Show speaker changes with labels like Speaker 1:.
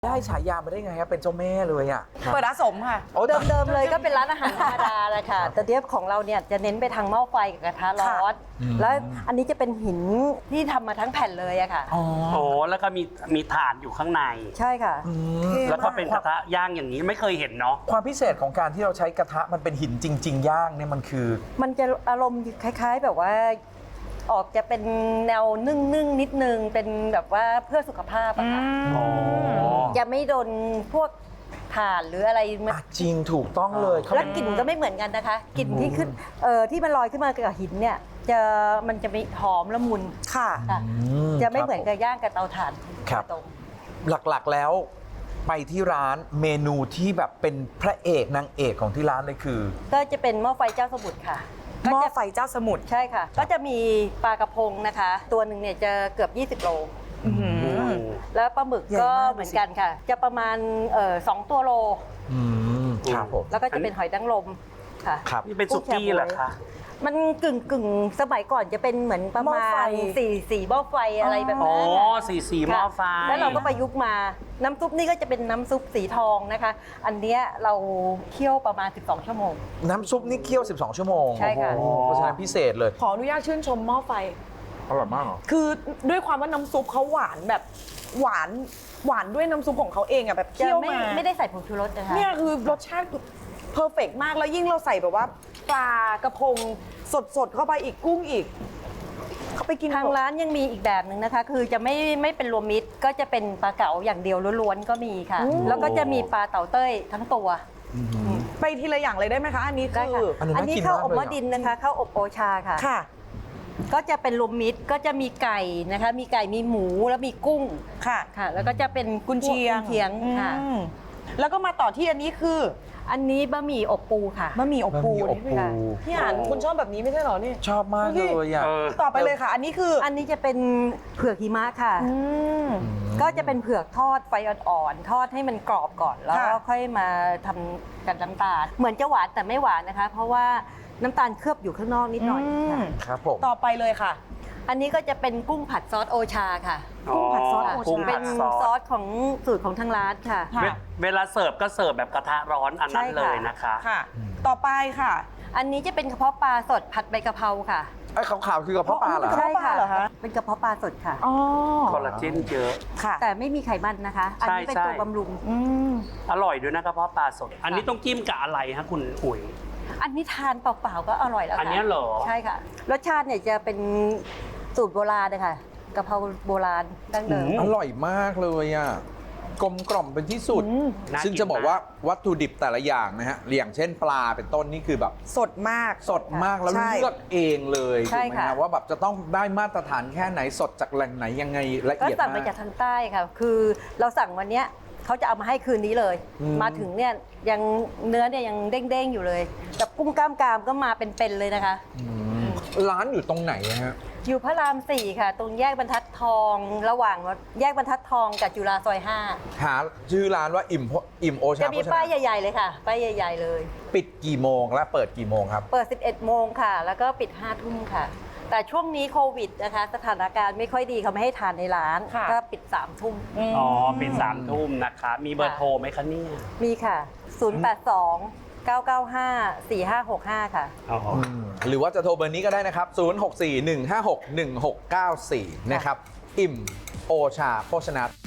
Speaker 1: ได้ฉายามาได้ไงครับเป็นเจ้าแม่เลยอ่ะ
Speaker 2: เปิดอาสมค่ะ
Speaker 3: เดิมๆเลยก็เป็นร้านอาหารธรรมดาแหละค่ะ แต่เดี๋ยวของเราเนี่ยจะเน้นไปทางหม้อไฟกับกระทะร้อนแล้วอันนี้จะเป็นหินที่ทำมาทั้งแผ่นเลยอะค่ะ
Speaker 1: อ๋อ
Speaker 4: โอ้แล้วก็มีถ่านอยู่ข้างใน
Speaker 3: ใช่ค่ะ
Speaker 4: แล้วก็เป็นกระทะย่างอย่างนี้ไม่เคยเห็นเนาะ
Speaker 1: ความพิเศษของการที่เราใช้กระทะมันเป็นหินจริง ๆ ย่างเนี่ยมันคือ
Speaker 3: มันจะอารมณ์คล้าย ๆ แบบว่า ออกจะเป็นแนวนึ่งนิดนึงเป็นแบบว่าเพื่อสุขภาพอะค่ะ
Speaker 4: อ๋อ
Speaker 3: จะไม่โดนพวกถ่านหรืออะไรมัน
Speaker 1: จริงถูกต้องเลยเขา
Speaker 3: แล้วกลิ่นก็ไม่เหมือนกันนะคะกลิ่นที่ขึ้นที่มันลอยขึ้นมากับหินเนี่ยมันจะมีหอมละมุน
Speaker 2: ค่ะ
Speaker 3: ค่ะจะไม่เหมือนกับย่างกับเตาถ่าน
Speaker 1: ครับ
Speaker 3: ตรง
Speaker 1: หลักๆแล้วไปที่ร้านเมนูที่แบบเป็นพระเอกนางเอกของที่ร้านเลยคือ
Speaker 3: ก็จะเป็นหม้อไฟเจ้าสมุทรค่ะ
Speaker 2: หม้อไฟเจ้าสมุทร
Speaker 3: ใช่ค่ะ ก็จะมีปลากระพงนะคะ ตัวหนึ่งเนี่ยจะเกือบ20 โล แล้วปลาหมึก
Speaker 2: ใหญ่
Speaker 3: ก็
Speaker 2: มาก
Speaker 3: เหมือนกันค่ะ จะประมาณ2 ตัวโล
Speaker 1: ครับผม
Speaker 3: แล้วก็จะเป็นหอยนางรมค่ะ
Speaker 1: ครับ
Speaker 4: นี่เป็นสุกี้เหรอคะ
Speaker 3: มันกึ่งสมัยก่อนจะเป็นเหมือนประ
Speaker 2: หม้อ
Speaker 3: มา
Speaker 2: ไฟ
Speaker 3: ณสี่หม้อไฟอะไรแบบ
Speaker 4: อ๋อ
Speaker 3: นั้นน่ะ
Speaker 4: สีหม้อไฟ
Speaker 3: ค่ะแล้วเราก็ประยุกต์มา น้ำซุปนี่ก็จะเป็นน้ำซุปสีทองนะคะ อันเนี้ยเราเคี่ยวประมาณ12 ชั่วโมง
Speaker 1: น้ำซุปนี่เคี่ยว 12 ชั่วโมง
Speaker 3: ใช่ค่ะ
Speaker 1: โอ้โหเพราะฉะนั้นพิเศษเลย
Speaker 2: ขออนุญาตชื่นชมหม้อไฟ
Speaker 1: อร่อยมากเหรอ
Speaker 2: คือด้วยความว่าน้ำซุปเขาหวานแบบหวานด้วยน้ำซุปของเขาเองอะแบบ
Speaker 3: จะ
Speaker 2: เคี่ยวมา
Speaker 3: ไม่ได้ใส่ผงชูรสนะคะ
Speaker 2: เนี่ยคือรสชาติเพอร์เฟกมากแล้วยิ่งเราใส่แบบว่าปลากระพงสดเข้าไปอีกกุ้งอีก เขาไปกิน
Speaker 3: ทางร้านยังมีอีกแบบหนึ่งนะคะ คือจะไม่เป็นรวมมิตรก็จะเป็นปลาเก๋าอย่างเดียวล้วนๆก็มีค่ะ แล้วก็จะมีปลาเต่าเต้ยทั้งตัว
Speaker 2: ไปทีละอย่างเลยได้ไหมคะ อันนี้
Speaker 3: ได้
Speaker 2: คื
Speaker 3: ค่ะ
Speaker 2: อ
Speaker 1: อันนี้น่ากิน
Speaker 3: ข้าว
Speaker 1: มาก
Speaker 3: อบ
Speaker 1: เลย
Speaker 3: หม้อ
Speaker 1: อะ
Speaker 3: ดินนะคะข้าวอบโอชาค่ะ
Speaker 2: ค่ะ
Speaker 3: ก็จะเป็นรวมมิตรก็จะมีไก่นะคะ มีไก่มีหมูแล้วมีกุ้ง
Speaker 2: ค่ะ
Speaker 3: ค่ะ แล้วก็จะเป็น
Speaker 2: กุนเชียง
Speaker 3: กุนเชียงค่ะ
Speaker 2: อืมแล้วก็มาต่อที่อันนี้คือ
Speaker 3: อันนี้บะหมี่อบปูค่ะ
Speaker 2: บะหมี่อบปู
Speaker 1: บะหมี่อบปู
Speaker 2: นี่ค่ะพี่อ่านคุณชอบแบบนี้ไม่ใช่เหรอนี่
Speaker 1: ชอบมากเลยอ่ะ
Speaker 4: เออ
Speaker 2: ต่อไปเลยค่ะ อันนี้คือ
Speaker 3: อันนี้จะเป็นเผือกหิมะค่ะ
Speaker 2: ม
Speaker 3: ก็จะเป็นเผือกทอดไฟอ่อนๆทอดให้มันกรอบก่อน แล้วก็
Speaker 2: ค่ะ
Speaker 3: ค่อยมาทำกับน้ำตาล เหมือนจะหวานแต่ไม่หวานนะคะ เพราะว่าน้ำตาลเคลือบอยู่ข้างนอกนิดหน่อยค่ะ
Speaker 1: ครับผม
Speaker 2: ต่อไปเลยค่ะ
Speaker 3: อันนี้ก็จะเป็นกุ้งผัดซอสโอชาค่ะ
Speaker 2: กุ้งผัดซอสโอชา
Speaker 4: กุ้ง
Speaker 3: เป็
Speaker 4: ผั
Speaker 3: น
Speaker 4: ด
Speaker 3: ซ
Speaker 4: ซ
Speaker 3: อ
Speaker 4: อส
Speaker 3: สของสูตรของทางร้านค่ะ
Speaker 2: ค่ะ
Speaker 4: เวลาเสิร์ฟก็เสิร์ฟแบบกระทะร้อนอันนั้น
Speaker 3: ใช่
Speaker 4: เล
Speaker 3: ค่ะ
Speaker 4: ยนะคะ
Speaker 2: ค่ะ ต่อไปค่ะ
Speaker 3: อันนี้จะเป็นกระเพาะปลาสดผัดใบกะเพราค่ะ
Speaker 1: ไอ้ขาวๆคือกระเพาะปลาเหรอ
Speaker 2: กระเพาะปลาเหรอคะ
Speaker 3: เป็นกระเพาะปลาสดค่ะ
Speaker 2: อ๋อ
Speaker 4: คอลลาเจนเยอะ
Speaker 2: ค่ะ
Speaker 3: แต่ไม่มีไขมันนะคะ อันนี้เป็น
Speaker 4: ใช่
Speaker 3: ตัวบำรุง
Speaker 2: อืม
Speaker 4: อร่อยด้วยนะกระเพาะปลาสด อันนี้ต้องจิ้มกับอะไรฮะคุณอุ๋ย
Speaker 3: อันนี้ทานเปล่าๆก็อร่อยแล้วค่ะ
Speaker 4: อันเนี้ยเหรอ
Speaker 3: ใช่ค่ะ รสชาติเนี่ยจะเป็นสูตรโบราณเลยค่ะกะเพราโบราณดั้งเดิม
Speaker 1: อร่อยมากเลยอ่ะกลมกล่อมเป็นที่สุด
Speaker 4: น่ากิน
Speaker 1: ซึ่งจะบอกว่าวัตถุดิบแต่ละอย่างนะฮะอย่างเช่นปลาเป็นต้นนี่คือแบบ
Speaker 2: สดมาก
Speaker 1: สดมากแล้ว
Speaker 2: ใช่
Speaker 1: เลือกเองเลย
Speaker 3: ใช่
Speaker 1: ถูกไหม
Speaker 3: ค่ะ
Speaker 1: ฮะว่าแบบจะต้องได้มาตรฐานแค่ไหนสดจากแหล่งไหนยังไงละ
Speaker 3: ก็
Speaker 1: เอียด
Speaker 3: สั่ง
Speaker 1: มาก
Speaker 3: มาจากทางใต้ค่ะ คือเราสั่งวันเนี้ยเขาจะเอามาให้คืนนี้เลย มาถึงเนี่ยยังเนื้อเนี่ยยังเด้งๆอยู่เลยกับกุ้งกล้ามกรามก็มาเป็นๆเลยนะคะ
Speaker 1: ร้านอยู่ตรงไหนฮะ
Speaker 3: อยู่พระราม 4 ค่ะ ตรงแยกบรรทัดทอง ระหว่างแยกบรรทัดทองกับจุฬาซอย
Speaker 1: หาชื่อร้านว่าอิ่มโอ
Speaker 3: 5
Speaker 1: ชา
Speaker 3: จะมี
Speaker 1: โภช
Speaker 3: ป้าย
Speaker 1: นา
Speaker 3: ใหญ่ ๆ เลยค่ะ ป้ายใหญ่ ๆ เลย
Speaker 1: ปิดกี่โมงและเปิดกี่โมงครับ
Speaker 3: เปิด 11 โมงค่ะ แล้วก็ปิด 5 ทุ่มค่ะ แต่ช่วงนี้โควิดนะคะ สถานการณ์ไม่ค่อยดีเขาไม่ให้ทานในร้าน
Speaker 2: ค่ะ
Speaker 3: ก็ปิด 3 ทุ่ม
Speaker 4: อ๋อปิด3 ทุ่มนะคะ มีเบอร์โทรไหมคะเนี่ย
Speaker 3: มีค่ะ 082 995 4565 ค่ะ
Speaker 4: อ๋อ
Speaker 1: หรือว่าจะโทรเบอร์นี้ก็ได้นะครับ 0641561694 นะครับ อิ่มโอชาโภชนา